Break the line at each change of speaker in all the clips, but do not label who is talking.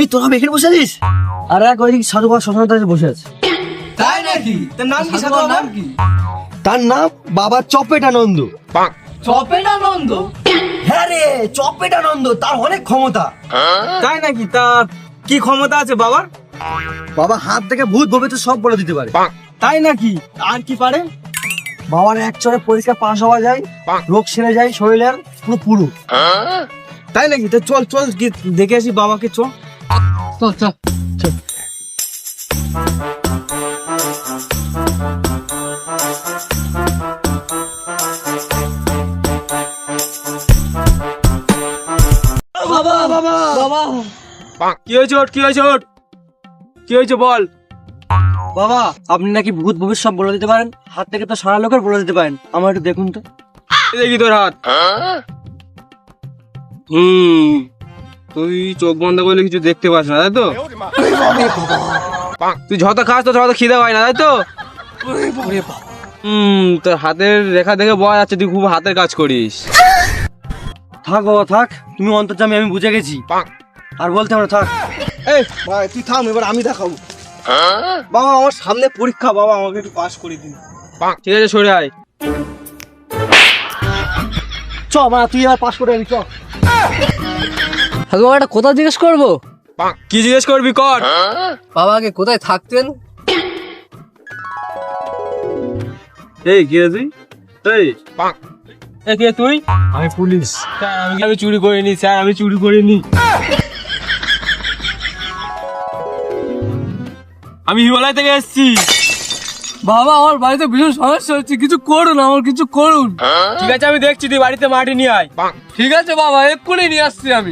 তোরা এখানে বসে আছিস? আর এক ওই সাধু বাবা শ্মশানের ধারে বসে আছে।
তাই নাকি? তার নাম কি? সাধু বাবার নাম কি?
তার নাম বাবা চপেটানন্দ।
চপেটানন্দ?
হ্যাঁ রে, চপেটানন্দ। তার অনেক ক্ষমতা।
তাই নাকি? তা কি ক্ষমতা আছে বাবার?
বাবা হাত থেকে ভূত ভবিষ্যৎ সব বলে দিতে পারে।
তাই নাকি? আর কি পারে?
বাবার এক চড়ে পরীক্ষা পাশ হওয়া যায়, রোগ সেরে যায় শরীরের পুরো।
তাই নাকি? তো চল চল গিয়ে দেখে আসি বাবাকে, চল চল চল।
বাবা বাবা বাবা
কি হয়েছে ওর? কি হয়েছে ওর? কি হয়েছে বল।
বাবা, আপনি নাকি ভূত ভবিষ্যৎ সব বলে দিতে পারেন, হাত থেকে তো সারা লোকের বলে দিতে পারেন। আমার একটু দেখুন তো।
এই দেখি তোর হাত। তুই চোখ বন্ধ করলে কিছু দেখতে পাস না, তাই তো? তুই যত খাস তো তত খিদে পায় না, তাই তো? তোর হাতের রেখা দেখে বোঝা যাচ্ছে তুই খুব হাতের কাজ করিস।
থাক বাবা থাক, তুমি অন্তর্যামী, আমি বুঝে গেছি। আর বলতে আমরা থাক।
এই ভাই তুই থাম, এবার আমি দেখাবো। বাবা আমার সামনে পরীক্ষা, বাবা আমাকে একটু পাস করে দিন। ঠিক আছে, সরে আয়।
চ মা, তুই এবার পাস করে আনি, চ।
সাধু বাবা, একটা কথা জিজ্ঞেস করবো?
কি জিজ্ঞেস করবি কর।
বাবা আগে কোথায় থাকতেন?
এই কে তুই? এই কে তুই?
আমি পুলিশ।
স্যার আমি চুরি করিনি, স্যার আমি চুরি করিনি। আমি হিমালয় থেকে এসেছি।
বাবা আমার বাড়িতে ভীষণ সমস্যা হচ্ছে, কিছু করুন, আমার কিছু করুন।
ঠিক আছে আমি দেখছি, তুই বাড়িতে মাটি নিয়ে আয়।
ঠিক আছে বাবা, এক্ষুনি নিয়ে আসছি আমি।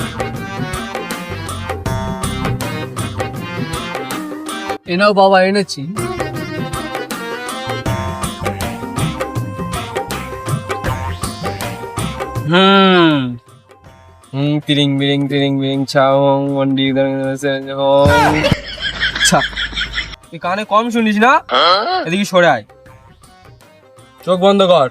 এনাও বাবা, এনেছি।
তিরিং বিরিং তিরিং বিরিং ছাওং মন্ডি আচ্ছা, তুই কানে কম শুনিস না? এদিকে সরে আয়, চোখ বন্ধ কর।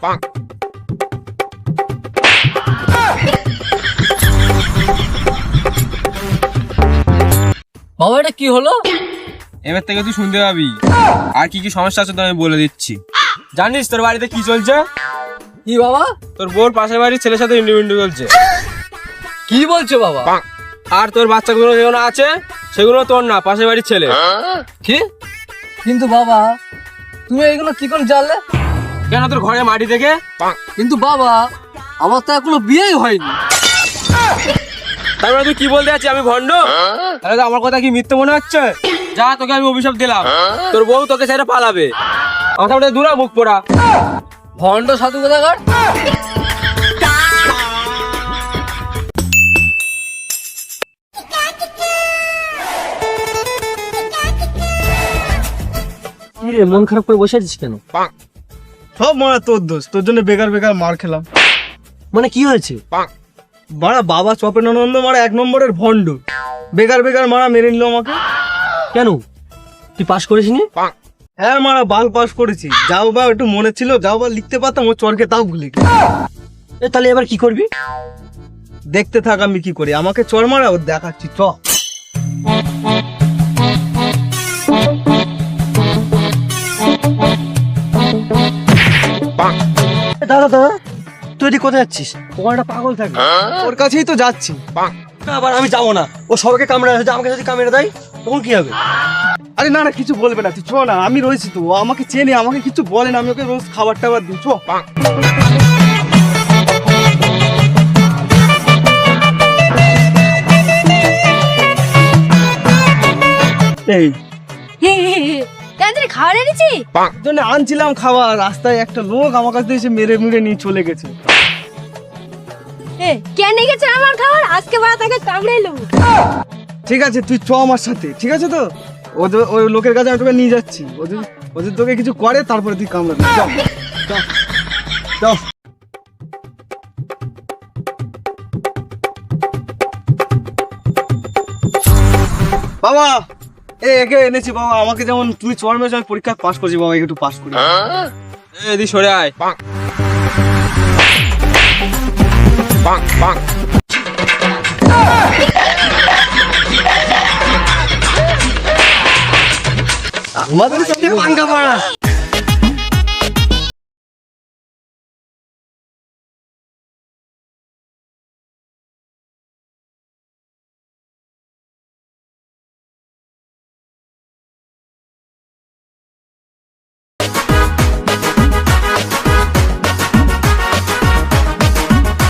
বাবা এটা কি হলো?
এবার থেকে তুই শুনতে পাবি। আর কি কি সমস্যা আছে তো আমি বলে দিচ্ছি। জানিস তোর বাড়িতে কি চলছে?
কি বাবা?
তোর বোর পাশের বাড়ির ছেলের সাথে ইন্ডিপেন্ডেন্ট চলছে।
কি বলছো বাবা?
আর তোর বাচ্চাগুলো যেগুলো আছে সেগুলো তোর না, পাশের বাড়ির ছেলে।
কি? কিন্তু বাবা তুমি এগুলো কি করে জানলে?
কেন তোর ঘরে মাটি থেকে?
কিন্তু বাবা আমার তো এখনো বিয়েই হয়নি।
তারপরে তুই কি বলতে যাচ্ছিস আমি ভণ্ড? তাহলে তো আমার কথা কি মিথ্যে মনে হচ্ছে? যা, তোকে আমি অভিশাপ দিলাম, তোর বউ তোকে ছেড়ে পালাবে। কথা বলে দূরা, মুখ পোড়া
ভণ্ড সাধু কোথাকার।
কি রে, মন খারাপ করে বসে আছিস কেন?
সব মারা তোর দোষ, তোর জন্য বেকার বেকার মার খেলাম।
মানে কি হয়েছে?
মারা বাবা চপেটানন্দ মারা এক নম্বরের ভণ্ড, বেকার বেকার মারা মেরে নিল আমাকে।
কেন, তুই পাস করিসনি?
হ্যাঁ মারা বাল পাস করেছি, যাও বা একটু মনে ছিল, যাও বা লিখতে পারতাম, ও চরকে তাও ভুলে গেছি।
তাহলে এবার কি করবি?
দেখতে থাক আমি কি করি, আমাকে চর মারা ও দেখাচ্ছি, চ।
দাদা দাদা, তুই এদিকে কোথায় যাচ্ছিস? ওখানে একটা পাগল থাকে,
ওর কাছেই তো যাচ্ছি।
না আবার আমি যাবো না, ও সবাইকে কামড়ে আসে, আমাকে যদি কামড়ে দেয় তখন কি হবে?
আরে না না, কিছু বলবে না, তুই চ না, আমি রয়েছি তো, ও আমাকে চেনে, আমাকে কিছু বলে না, আমি ওকে রোজ খাবার টাবার দিই, চ। এই
খাবার এনেছি
জন্য আনছিলাম খাবার, রাস্তায় একটা লোক আমার কাছে এসে মেরে মেরে নিয়ে চলে গেছে।
কেন গেছে আমার খাবার? আজকে বাড়া তাকে কামড়ে এলো।
ঠিক আছে তুই চ আমার সাথে, ঠিক আছে তো? ওই লোকের কাছে আমি তোকে নিয়ে যাচ্ছি, ওদের তোকে কিছু করে তারপরে তুই কামড়াবি। চল চল চল। বাবা একে এনেছি বাবা, আমাকে যেমন তুই চর মেরেছ আমি পরীক্ষা পাস করছি বাবা, একটু পাস করি। এদি সরে আয়।
তোমাদের সাথে পাঙ্গা পাড়া